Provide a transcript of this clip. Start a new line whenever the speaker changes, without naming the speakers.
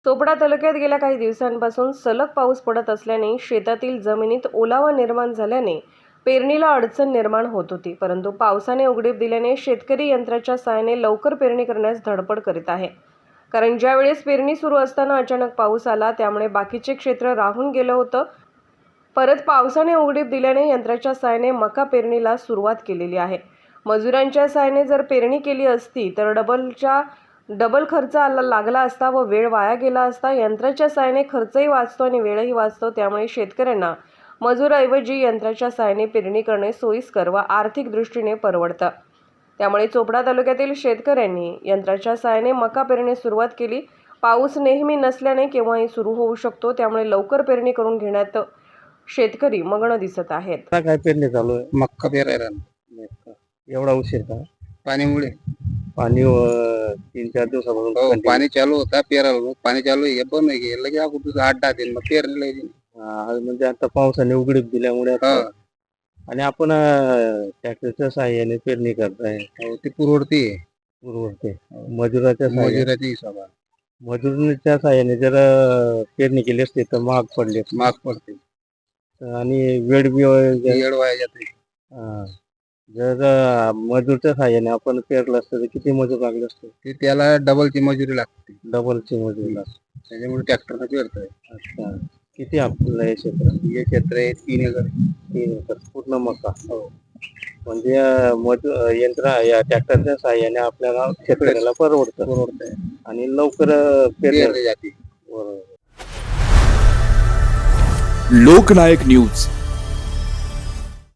चोपडा तालुक्यात गेल्या काही दिवसांपासून सलग पाऊस पडत असल्याने शेतातील जमिनीत ओलावा निर्माण झाल्याने पेरणीला अडचण निर्माण होत होती. परंतु पावसाने उघडीप दिल्याने शेतकरी यंत्राच्या सहाय्याने लवकर पेरणी करण्यास धडपड करीत आहे. कारण ज्यावेळेस पेरणी सुरू असताना अचानक पाऊस आला, त्यामुळे बाकीचे क्षेत्र राहून गेलं होतं. परत पावसाने उघडीप दिल्याने यंत्राच्या सहाय्याने मका पेरणीला सुरुवात केलेली आहे. मजुरांच्या सहाय्याने जर पेरणी केली असती तर डबल खर्च लागला असता व वेळ वाया गेला असता. यंत्राच्या सहाय्याने खर्चही वाचतो आणि वेळही वाचतो. त्यामुळे शेतकऱ्यांना मजुराऐवजी यंत्राच्या सहाय्याने पेरणी करणे सोयीस्कर व आर्थिक दृष्टीने परवडतं. त्यामुळे चोपडा तालुक्यातील शेतकऱ्यांनी यंत्राच्या सहाय्याने मका पेरणी सुरुवात केली. पाऊस नेहमी नसल्याने केव्हाही सुरू होऊ शकतो. त्यामुळे लवकर पेरणी करून घेण्यात शेतकरी मग्न दिसत आहेत.
आता काय पेरणी चालू आहे?
मक्का पेरायला
एवढा उशीर का?
पाणीमुळे.
पाणी 3-4 दिवसापासून
हो,
continue.
पाणी चालू होता पेरायला. पाणी चालू आहे पण नाही लगे अगोदर 8-10 दिन मग पेरलेलं आहे.
म्हणजे आता पावसाने उघडीप दिल्यामुळे आता-
हा.
आणि आपण ट्रॅक्टरच्या साहाय्याने पेरणी करताय.
हो, ते पुरवडते
पुरवठते मजुराच्या साहाय्याने.
मजुराच्या हिशोबात
मजुराच्या साहाय्याने जर पेरणी केली असते तर महाग पडली असते.
माग पडते,
आणि वेळ बी
येड वाया जाते.
जर मजूरच्या साहाय्याने आपण पेरलं असतं तर किती मजूर लागले असते?
ते त्याला डबलची मजुरी लागते,
डबलची मजुरी लागते.
त्याच्यामुळे ट्रॅक्टरनं पेरतोय.
अच्छा, किती आपलं हे क्षेत्र?
हे क्षेत्र आहे 3 एकर.
3 एकर पूर्ण मका. हो, म्हणजे यंत्र या ट्रॅक्टरच्या साहाय्याने आपल्याला शेतकऱ्याला परवडतंय आणि लवकर पेरले
जाते.
बरोबर.
लोकनायक न्यूज